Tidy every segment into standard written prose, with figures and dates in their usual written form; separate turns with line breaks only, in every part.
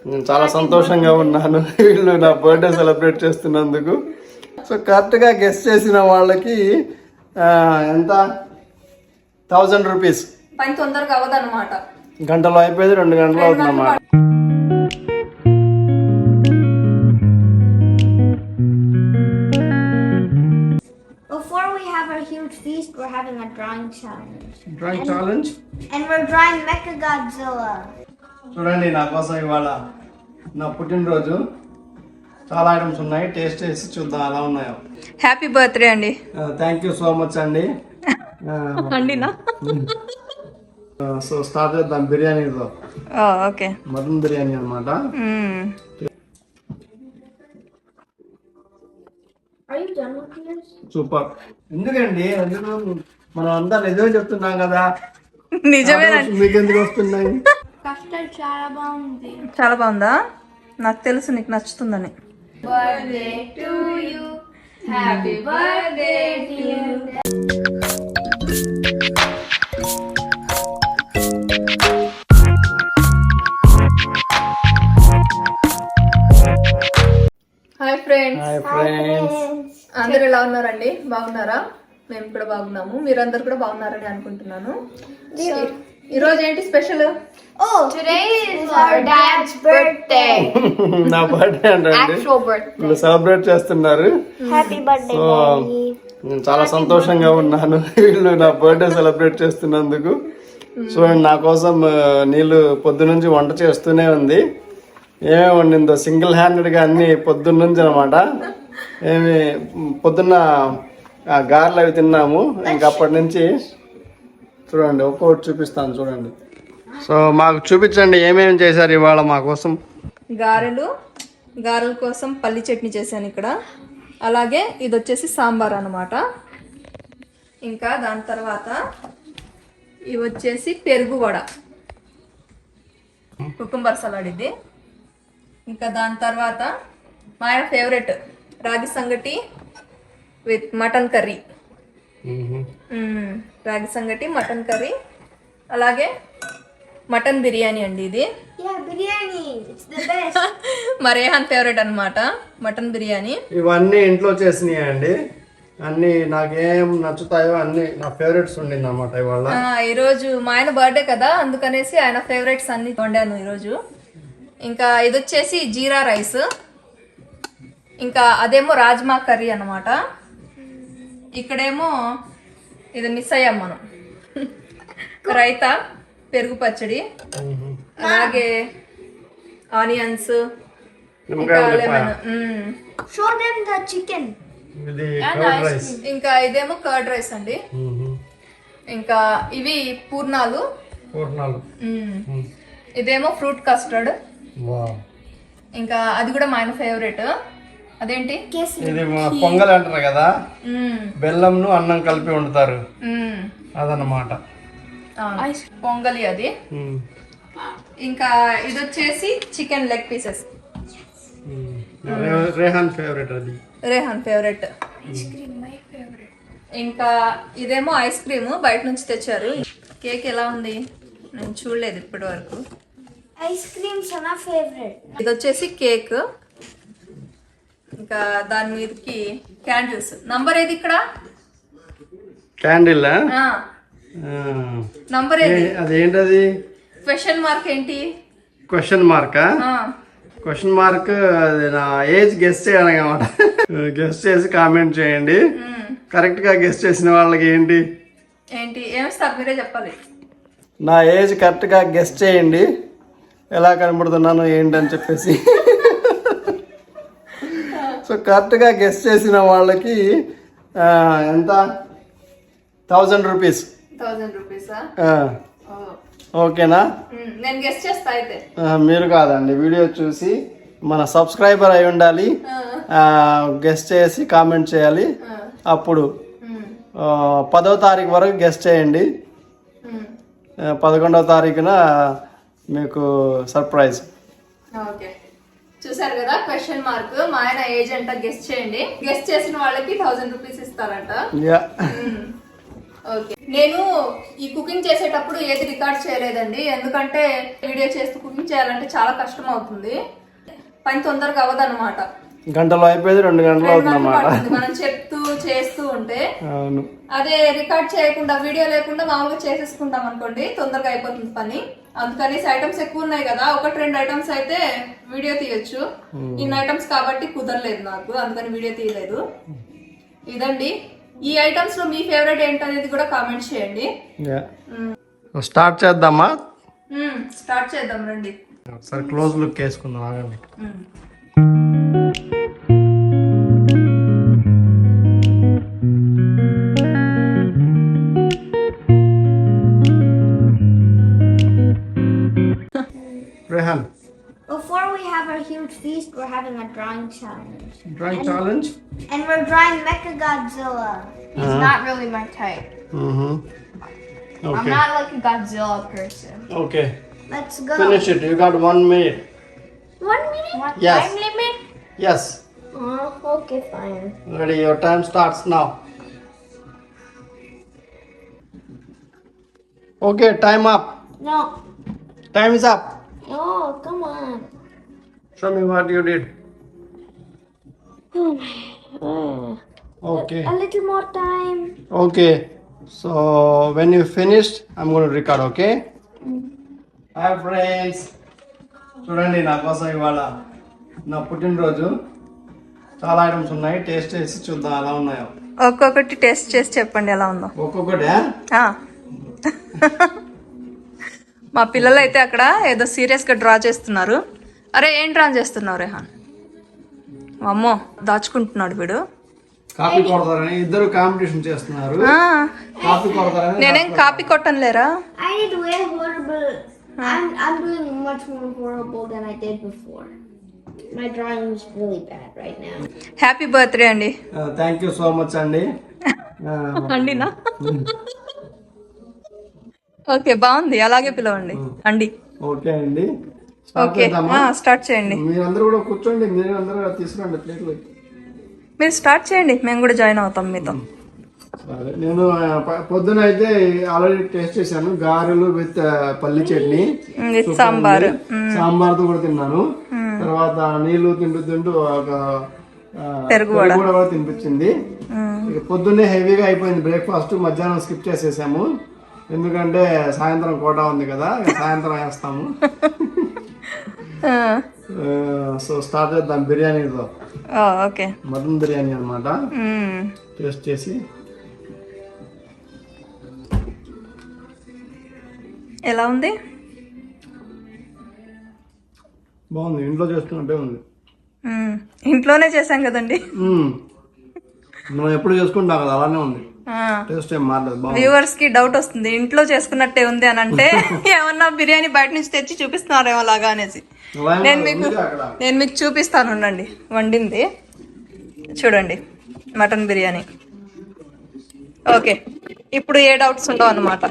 నేను చాలా సంతోషంగా ఉన్నాను వీళ్ళు నా బర్త్డే సెలబ్రేట్ చేస్తున్నందుకు. సో కరెక్ట్గా గెస్ట్ చేసిన వాళ్ళకి ఎంత 1000 రూపీస్.
పని తొందరగా అవ్వదన్నమాట.
గంటలో అయిపోయింది, 2 గంటలు అవుతుందన్నమాట.
Before we have our huge feast, we're having a drawing challenge.
Drawing challenge.
And we're drawing Mechagodzilla.
చూడండి, నా కోసం ఇవాళ నా పుట్టినరోజు చాలా ఐటమ్స్ ఉన్నాయి. టేస్ట్ చేసి చూద్దాం ఎలా ఉన్నాయో.
హ్యాపీ బర్త్డే అండి.
థ్యాంక్ యూ సో మచ్ అండి.
అండినా
సో స్టార్ట్ చేద్దాం బిర్యానీతో.
ఓకే,
మటన్ బిర్యానీ అనమాట.
Are you done with this?
Super. ఎందుకండి మనం అంతా నిజమే చెప్తున్నాం కదా.
నిజమేనండి.
మీకు ఎందుకు వస్తున్నాయి?
Custard చాలా బాగుంది.
చాలా బాగుందా? నాకు తెలుసు నీకు నచ్చుతుందని.
Birthday to you. Happy birthday to you.
Hi friends.
Hi friends.
అందరు ఎలా ఉన్నారండి? బాగున్నారా? మేము కూడా బాగున్నాము. మీరందరు కూడా బాగున్నారని అనుకుంటున్నాను. ఈ రోజు ఏంటి special?
Oh, today is our dad's birthday.
నా బర్త్డే అండి.
Actual birthday.
వీళ్ళు సెలబ్రేట్ చేస్తున్నారు.
Happy birthday,
so
Daddy.
నేను చాలా సంతోషంగా ఉన్నాను వీళ్ళు నా బర్త్డే సెలబ్రేట్ చేస్తున్నందుకు. చూడండి, నా కోసం నీళ్ళు పొద్దునుంచి వంట చేస్తూనే ఉంది. ఏమేమి వండిందో సింగిల్ హ్యాండెడ్గా అన్ని పొద్దున్నుంచి అనమాట. ఏమి పొద్దున్న గారెలు అవి తిన్నాము. ఇంకా అప్పటి నుంచి చూడండి ఒక్కొక్కటి చూపిస్తాను చూడండి. సో మాకు చూపించండి ఏమేమి చేశారు ఇవాళ మా కోసం.
గారెల కోసం పల్లి చట్నీ చేశాను ఇక్కడ. అలాగే ఇది వచ్చేసి సాంబార్ అన్నమాట. ఇంకా దాని తర్వాత ఇవి వచ్చేసి పెరుగు వడ, కుకుంబర్ సలాడ్ ఇది. ఇంకా దాని తర్వాత మా ఆయన ఫేవరెట్ రాగి సంగటి విత్ మటన్ కర్రీ. రాగి సంగటి, మటన్ కర్రీ, అలాగే మటన్ బిర్యానీ అండి ఇది.
Yeah, biryani. It's the best.
మా రేహాన్ ఫేవరెట్ అన్నమాట మటన్ బిర్యానీ.
ఇవన్నీ ఇంట్లో చేసినాయి అండి. అన్ని నాకేం నచ్చుతాయో అన్ని నా ఫేవరెట్స్ ఉండింది అనమాట ఇవాళ.
ఈరోజు మా ఆయన బర్త్డే కదా, అందుకనేసి ఆయన ఫేవరెట్స్ అన్ని వండాను ఈరోజు. ఇంకా ఇది వచ్చేసి జీరా రైస్, ఇంకా అదేమో రాజ్మా కర్రీ అన్నమాట. ఇక్కడేమో ఇది మిస్ అయ్యాం మనం, రైతా, పెరుగు పచ్చడి, అలాగే ఆనియన్స్, ఇంకా lemon.
Show them the chicken.
ఇది కర్డ్ రైస్.
ఇంకా ఇదేమో కర్డ్ రైస్ అండి. ఇంకా ఇవి పూర్ణాలు. ఇదేమో ఫ్రూట్ కస్టర్డ్. ఇంకా అది కూడా మా ఆయన ఫేవరెట్. అదేంటి
ఇది పొంగల్ అంటారు కదా, బెల్లంను అన్నం కలిపి వండుతారు అదన్నమాట.
పొంగలి అది. ఇంకా ఇది వచ్చేసి chicken leg pieces.
Rehan favourite అది.
రేహాన్ ఫేవరెట్. ఇంకా ఇదేమో ఐస్ క్రీమ్ బయట నుంచి తెచ్చారు. కేక్ ఎలా ఉంది నేను చూడలేదు ఇప్పటి వరకు.
Ice cream sana favorite.
ఇది వచ్చేసి కేక్. ఇంకా దాని మీదకి క్యాండిల్స్. నంబర్ ఏది ఇక్కడ?
క్యాండిల్.
నంబర్ ఏది?
అదేంటది?
క్వశ్చన్ మార్క్ ఏంటి?
క్వశ్చన్ మార్కా? క్వశ్చన్ మార్క్ అది నా ఏజ్ గెస్ట్ చేయాలన్నమాట. గెస్ట్ చేసి కామెంట్ చేయండి. కరెక్ట్ గా గెస్ట్ చేసిన వాళ్ళకి ఏంటి
ఏమిస్తారు మీరే చెప్పాలి.
నా ఏజ్ కరెక్ట్ గా గెస్ట్ చేయండి, ఎలా కనబడుతున్నాను ఏంటని చెప్పేసి. సో కరెక్ట్గా గెస్ట్ చేసిన వాళ్ళకి ఎంత 1000 రూపీస్.
1000 రూపీసా?
ఓకేనా?
నేను గెస్ట్ చేస్తా అయితే.
మీరు కాదండి, వీడియో చూసి మన సబ్స్క్రైబర్ అయి ఉండాలి, గెస్ట్ చేసి కామెంట్ చేయాలి. అప్పుడు 10వ తారీఖు వరకు గెస్ట్ చేయండి. 11వ తారీఖున మీకు సర్ప్రైజ్.
ఓకే, చూసారు కదా క్వశ్చన్ మార్క్. మా ఆయన ఏజ్ అంట గెస్ట్ చేయండి. గెస్ట్ చేసిన వాళ్ళకి 1000 రూపీస్ ఇస్తారంట. ఓకే, నేను ఈ కుకింగ్ చేసేటప్పుడు ఏది రికార్డ్ చేయలేదండి, ఎందుకంటే వీడియో చేస్తూ కుకింగ్ చేయాలంటే చాలా కష్టం అవుతుంది, పని తొందరగా అవ్వదన్నమాట.
గంటలో అయిపోయేది 2 గంటలు అవుతుంది అన్నమాట
మనం చెప్తూ చేస్తూ ఉంటే.
అవును.
అదే రికార్డ్ చేయకుండా వీడియో లేకుండా మామూలుగా చేసేసుకుంటాం అనుకోండి, తొందరగా అయిపోతుంది పని. అందుకని ఐటమ్స్ ఎక్కువ ఉన్నాయి కదా, 1-2 ఐటమ్స్ అయితే వీడియో తీయొచ్చు. ఇన్ని ఐటమ్స్ కాబట్టి కుదరలేదు నాకు, అందుకని వీడియో తీయలేదు. ఇదండి, ఈ ఐటమ్స్ లో మీ ఫేవరెట్ ఏంటనేది కూడా కామెంట్ చేయండి.
స్టార్ట్ చేద్దామా?
స్టార్ట్ చేద్దాం రండి.
ఒకసారి క్లోజ్ లుక్ వేసుకుందాం, ఆగండి. Rehan,
Before we have our huge feast, we're having a drawing challenge.
drawing challenge?
And we're drawing Mechagodzilla.
He's not really my type.
Mm-hmm.
I'm
Okay.
not like a Godzilla person.
Okay.
Let's go.
Finish it. You got 1 minute.
1 minute?
What
Yes.
time limit?
Yes.
Oh, okay, fine.
Ready. Your time starts now. Okay. Time up.
No.
Time is up.
No, come on.
Show me what you did.
Oh my.
Okay.
A little more time.
Okay. So when you finished, I'm going to record. Okay. Hi friends. చూడండి, నా కోసం ఇవాళ నా పుట్టినరోజు. చాలా items ఉన్నాయి, taste చేసి చూద్దాం ఎలా ఉన్నాయో.
ఒక్కొక్కటి టేస్ట్ చేసి చెప్పండి ఎలా ఉందో.
ఒక్కొక్కటి
మా పిల్లలు అయితే అక్కడ ఏదో సీరియస్ గా డ్రా చేస్తున్నారు. అరే ఏం డ్రా చేస్తున్నావు రెహాన్? అమ్మో, దాచుకుంటున్నాడు వీడు.
కాపీ కొడతారని ఇద్దరు కాంపిటీషన్ చేస్తున్నారు. కాపీ కొడతారని
నేనేం కాపీ కొట్టను లేరా.
I did way horrible. I'm doing much more horrible than I did before. My drawing is really bad right now.
Happy birthday అండి.
థ్యాంక్ యూ సో మచ్ అండి.
అండినా? ఓకే, బాగుంది, అలాగే పిలవండి అండి.
ఓకే అండి, స్టార్ట్
ఓకే,
చేద్దామా?
స్టార్ట్ చేయండి.
మీరందరూ కూడా కూర్చోండి, మీరు అందరూ తీసుకురండి ప్లేట్లు.
మీరు స్టార్ట్ చేయండి, మేము కూడా జాయిన్ అవుతాం మీతో.
సరే, నేను పొద్దున అయితే ఆల్రెడీ టేస్ట్ చేశాను, గారెలు విత్ పల్లి చట్నీ,
విత్ సాంబార్.
సాంబార్తో కూడా తిన్నాను. తర్వాత నీళ్లు తింటూ ఒక
పెరుగు
కూడా తినిపించింది. ఇక పొద్దున్నే హెవీగా అయిపోయింది బ్రేక్ఫాస్ట్. మధ్యాహ్నం స్కిప్ చేసేసాము, ఎందుకంటే సాయంత్రం కోట ఉంది కదా, సాయంత్రం వేస్తాము. సో స్టార్ట్ చేద్దాం బిర్యానీతో.
ఓకే,
మటన్ బిర్యానీ అన్నమాట. టేస్ట్ చేసి
ఎలా ఉంది?
బాగుంది, ఇంట్లో చేసుకున్నట్టే ఉంది.
ఇంట్లోనే చేసాం కదండి,
మనం ఎప్పుడు చేసుకుంటాం కదా, అలానే ఉంది. టేస్ట్ ఏం మారలేదు, బాగుంది.
వ్యూవర్స్ కి డౌట్ వస్తుంది, ఇంట్లో చేసుకున్నట్టే ఉంది అని అంటే ఏమన్నా బిర్యానీ బయట నుంచి తెచ్చి చూపిస్తున్నారేమో లాగా అనేసి. నేను మీకు చూపిస్తాను, ఉండండి. వండింది చూడండి, మటన్ బిర్యానీ. ఓకే, ఇప్పుడు ఏ డౌట్స్ ఉండవు అన్నమాట.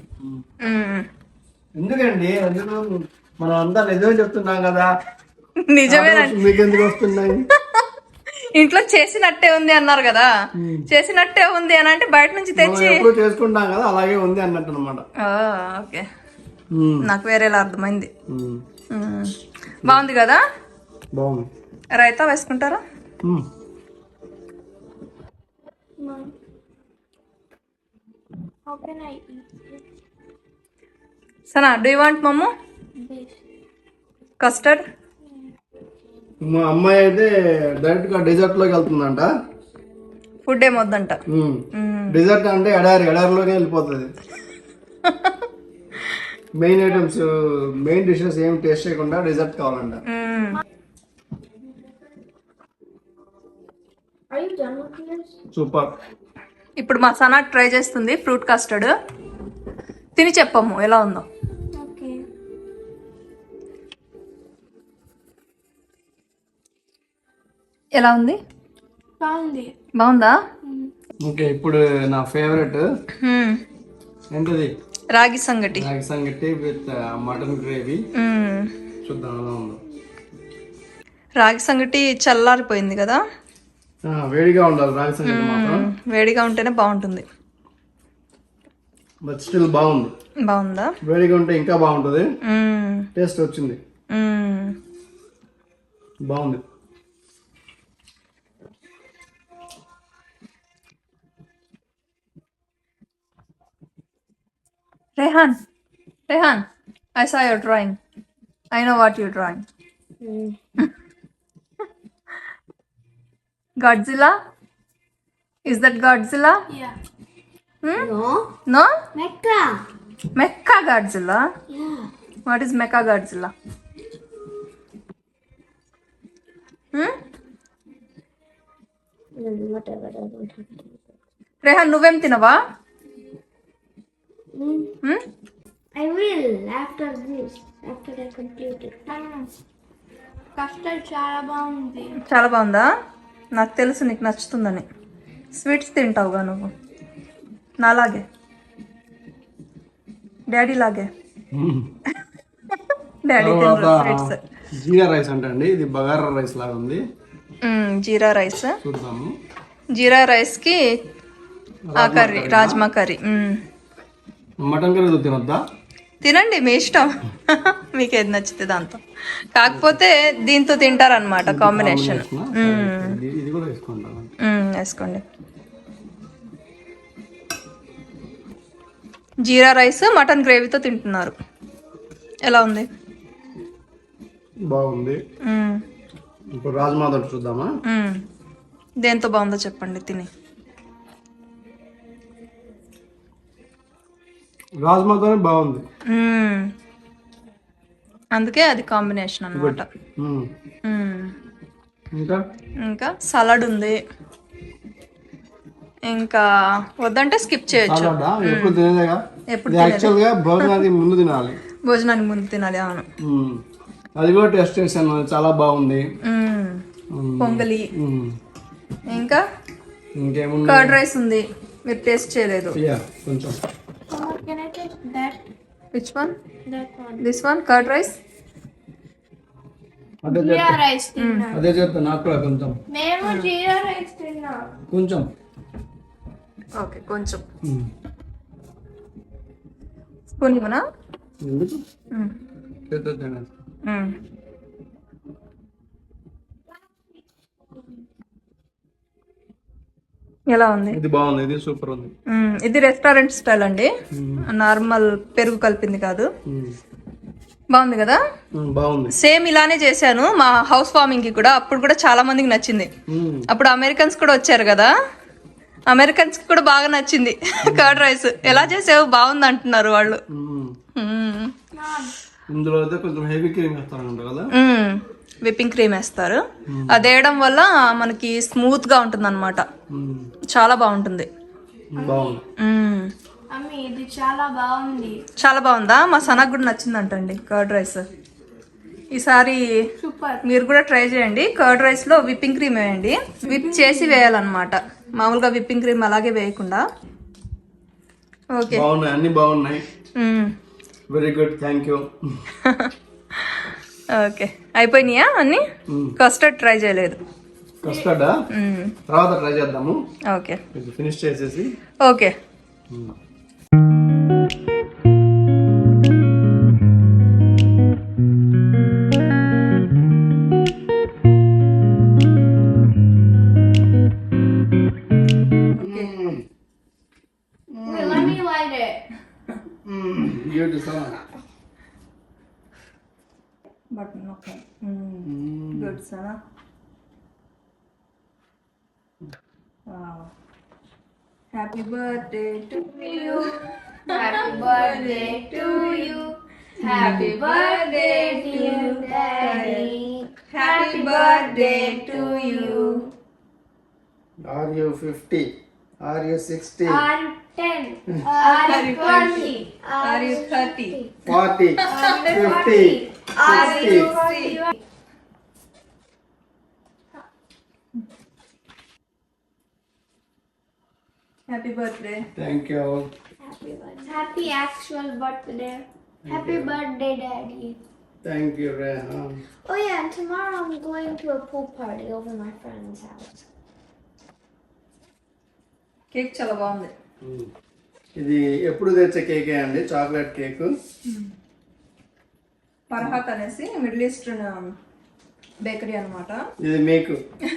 ఎందుకండి, మనం అంతా నిజమే చెప్తున్నాం కదా.
నిజమేనండి,
మీకు ఎందుకు వస్తున్నాయి?
ఇంట్లో చేసినట్టే ఉంది అన్నారు కదా, చేసినట్టే ఉంది అని అంటే బయట నుంచి తెచ్చి
ఎప్పుడు చేసుకుంటాం కదా, అలాగే ఉంది అన్నట్టు అనమాట.
ఓకే, నాకు వేరేలా అర్థమైంది. బాగుంది కదా?
బాగుంది.
రైతా వేసుకుంటారా?
How can I eat this?
సనా, డూ యూ వాంట్ మమ్ము కస్టర్డ్?
మా అమ్మాయి అయితే డైరెక్ట్ గా డెజర్ట్ లోకి వెళ్తుందంట.
ఫుడ్ ఏమొద్దంట.
డెజర్ట్ అంటే ఎడారిలోనే వెళ్ళిపోతుంది. మెయిన్ ఐటమ్స్, మెయిన్ డిషెస్ ఏం టేస్ట్ చేయకుండా డెజర్ట్ కావాలంట.
Are you done with this?
Super.
ఇప్పుడు మా సనా ట్రై చేస్తుంది ఫ్రూట్ కస్టర్డ్. తిని చెప్పమ్ము ఎలా ఉందో.
Okay.
ఎలా ఉంది?
Found it.
బాగుందా?
ఓకే, ఇప్పుడు నా ఫేవరెట్ ఏంటది?
రాగి సంగటి.
రాగి సంగటి విత్ మటన్ గ్రేవీ. చూద్దాం ఎలా ఉందో.
రాగి సంగటి చల్లారిపోయింది కదా,
వేడిగా ఉండాలి రాగి సంగటి మాత్రం.
వేడిగా ఉంటేనే బాగుంటుంది.
బట్ స్టిల్ బాగుంది.
బాగుందా?
వేడిగా ఉంటే ఇంకా బాగుంటుంది.
మ్మ్.
టేస్ట్ వచ్చింది,
మ్మ్.
బాగుంది.
Rehan, I saw your drawing. I know what you're drawing. Godzilla? Is that Godzilla?
Yeah.
Hmm?
No.
No?
Mecca.
Mecha Godzilla?
Yeah.
What is Mecha Godzilla?
Whatever. I don't have to.
Rehan, నువ్వేం తినవా?
I will after this. After I complete it. Custard చాలా బాగుంది.
చాలా బాగుందా? నాకు తెలుసు నీకు నచ్చుతుందని. స్వీట్స్ తింటావుగా నువ్వు, నాలాగే, డాడీ లాగే. డాడీ తింటారు స్వీట్స్.
జీరా రైస్ అంటే అండి, ఇది బగారా రైస్ లాగా ఉంది.
జీరా రైస్.
చూద్దాము.
జీరా రైస్ కి ఆ curry, rajma curry.
Mutton curry తినొద్దా?
తినండి, మీ ఇష్టం. మీకు ఏది నచ్చితే దాంతో. కాకపోతే దీంతో తింటారనమాట కాంబినేషన్.
ఇది కూడా వేసుకుంటాను.
వేసుకోండి. జీరా రైస్ మటన్ గ్రేవీతో తింటున్నారు. ఎలా ఉంది?
బాగుంది. ఇప్పుడు రాజ్మా తోటి చూద్దామా?
దేంతో బాగుందో చెప్పండి తిని.
రాజ్మాతోనే బాగుంది.
అందుకే అది కాంబినేషన్ అన్నమాట. ఇంకా సలాడ్ ఉంది. ఇంకా వద్దంటే స్కిప్ చేయొచ్చు.
ఎప్పుడు తినేదేగా. యాక్చువల్గా భోజనానికి ముందు తినాలి.
భోజనానికి ముందు తినాలి, అవును.
అది కూడా టెస్ట్ చేశాను, చాలా బాగుంది.
పొంగలి, ఇంకా
ఇంకేముంది,
కర్డ్ రైస్ ఉంది. మీరు టేస్ట్ చేయలేదు.
కొంచెం.
Can I taste that?
Which one?
That one.
This one, curd rice.
Jeera rice తిన్నా.
అదే చెప్తా, నాకు కూడా కొంచెం.
మేము జీరా రైస్ తిన్నా.
కొంచెం.
ఓకే, కొంచెం. స్పూన్ ఇవ్వనా?
ఎందుకు? చేద్దాం తినేసి.
ఎలా ఉంది?
ఇది బాగుంది, ఇది సూపర్ ఉంది.
ఇది రెస్టారెంట్ స్టైల్ అండి, నార్మల్ పెరుగు కలిపింది కాదు. బాగుంది కదా?
బాగుంది.
సేమ్ ఇలానే చేశాను మా హౌస్ వార్మింగ్ కి కూడా. అప్పుడు కూడా చాలా మందికి నచ్చింది. అప్పుడు అమెరికన్స్ కూడా వచ్చారు కదా, అమెరికన్స్ కి కూడా బాగా నచ్చింది కర్డ్ రైస్. ఎలా చేసావు, బాగుంది అంటున్నారు వాళ్ళు.
ఇందులో అయితే కొంచెం హెవీ క్రీమ్ వేస్తారంట కదా.
విప్పింగ్ క్రీమ్ వేస్తారు. అది వేయడం వల్ల మనకి స్మూత్ గా ఉంటుంది అనమాట. చాలా బాగుంటుంది.
ఇది చాలా బాగుంది.
చాలా బాగుందా? మా సనకు కూడా నచ్చిందంటండి కర్డ్ రైస్. ఈసారి మీరు కూడా ట్రై చేయండి. కర్డ్ రైస్ లో విప్పింగ్ క్రీమ్ వేయండి. విప్ చేసి వేయాలన్నమాట, మామూలుగా విప్పింగ్ క్రీమ్ అలాగే వేయకుండా. ఓకే,
అన్ని బాగున్నాయి. Very good, thank you.
Okay, అయిపోయినాయా అన్ని? కస్టర్డ్ ట్రై చేయలేదు.
కస్టర్డ్ తర్వాత ట్రై చేద్దాము.
ఓకే,
ఫినిష్ చేసేసి.
Okay.
Let me light it.
Beautiful.
Button, okay. Good, Sana. Wow. Happy birthday to you.
Happy birthday to you. Happy birthday dear Daddy.
Happy birthday to you.
Are you 50? Are you 60?
Are you 10? Are you 20?
Are you 30?
40? 50?
Are
60?
you 40?
Happy birthday.
Thank you.
Happy actual birthday. Happy birthday, Daddy.
Thank you, Rehan.
Oh yeah, and tomorrow I'm going to a pool party over my friend's house.
Cake చాలా బాగుంది.
ఇది ఎప్పుడు తెచ్చే కేకే అండి, chocolate cake.
ఫర్హాత్ అనేసి middle eastern bakery అన్నమాట.
ఇది మీకు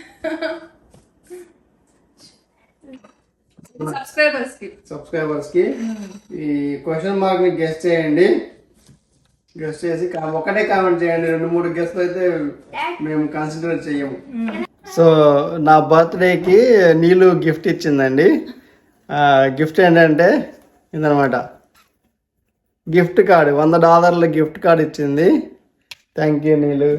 సబ్స్క్రైబర్స్ కి ఈ క్వశ్చన్ మార్క్ ని గెస్ట్ చేయండి. గెస్ట్ చేసి ఒకటే కామెంట్ చేయండి. 2-3 గెస్ట్లు అయితే మేము కాన్సన్ట్రేట్ చెయ్యము. సో నా బర్త్డేకి నీళ్ళు గిఫ్ట్ ఇచ్చిందండి. గిఫ్ట్ ఏంటంటే ఇదనమాట, గిఫ్ట్ కార్డు, $100 గిఫ్ట్ కార్డు ఇచ్చింది. థ్యాంక్ యూ నీళ్ళు.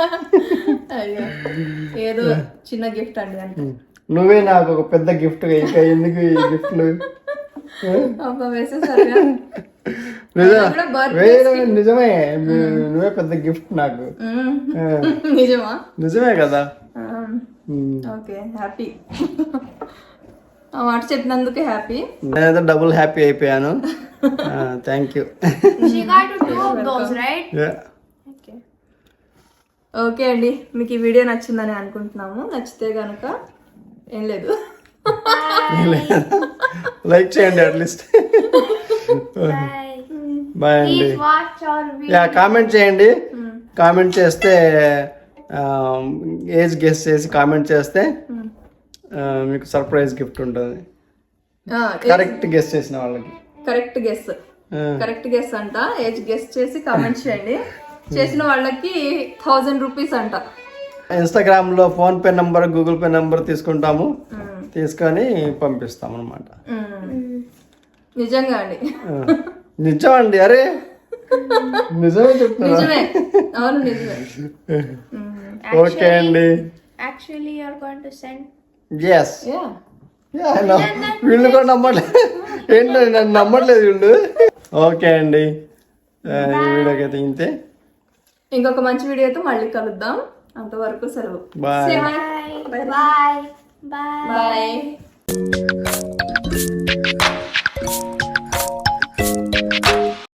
ఏదో చిన్న గిఫ్ట్ అండి అంటే.
నువ్వే నాకు ఒక పెద్ద గిఫ్ట్, ఇంకా ఎందుకు ఈ గిఫ్ట్లు? నిజమే, నువ్వే పెద్ద గిఫ్ట్ నాకు. నిజమే కదా.
Okay, happy. ఆ మాట చెప్పినందుకే హ్యాపీ.
నేనైతే డబుల్ హ్యాపీ అయిపోయాను. Thank you.
She got 2 of those, right?
Okay అండి, మీకు ఈ వీడియో నచ్చిందని అనుకుంటున్నాము. నచ్చితే కనుక ఏం లేదు,
లైక్ చేయండి అట్లీస్ట్. బాయ్ అండి.
Please watch our video.
Yeah, comment చేయండి. కామెంట్ చేస్తే ఏజ్ గెస్ చేసి కామెంట్ చేస్తే మీకు సర్ప్రైజ్ గిఫ్ట్ ఉంటుంది. కరెక్ట్ గెస్ చేసిన వాళ్ళకి.
కరెక్ట్ గెస్ అంట. ఏజ్ గెస్ చేసి కామెంట్ చేయండి. చేసిన వాళ్ళకి 1000 రూపీస్ అంట.
ఇన్స్టాగ్రామ్ లో PhonePe number, Google Pay number తీసుకుంటాము, తీసుకొని పంపిస్తాం అనమాట.
నిజంగా అండి.
నిజం అండి. అరే నిజమే చెప్తున్నా.
నిజమే, అవును నిజమే.
ఓకే అండి.
Actually, you're going to send.
Yes. వీళ్ళు కూడా నమ్మట్లేదు. ఏంటో నన్ను నమ్మట్లేదు వీళ్ళు. ఓకే అండి, ఈ వీడియోకి అయితే ఇంతే.
ఇంకొక మంచి వీడియోతో మళ్ళీ కలుద్దాం. అంతవరకు సెలవు.
బాయ్.
Bye. Bye.
బాయ్.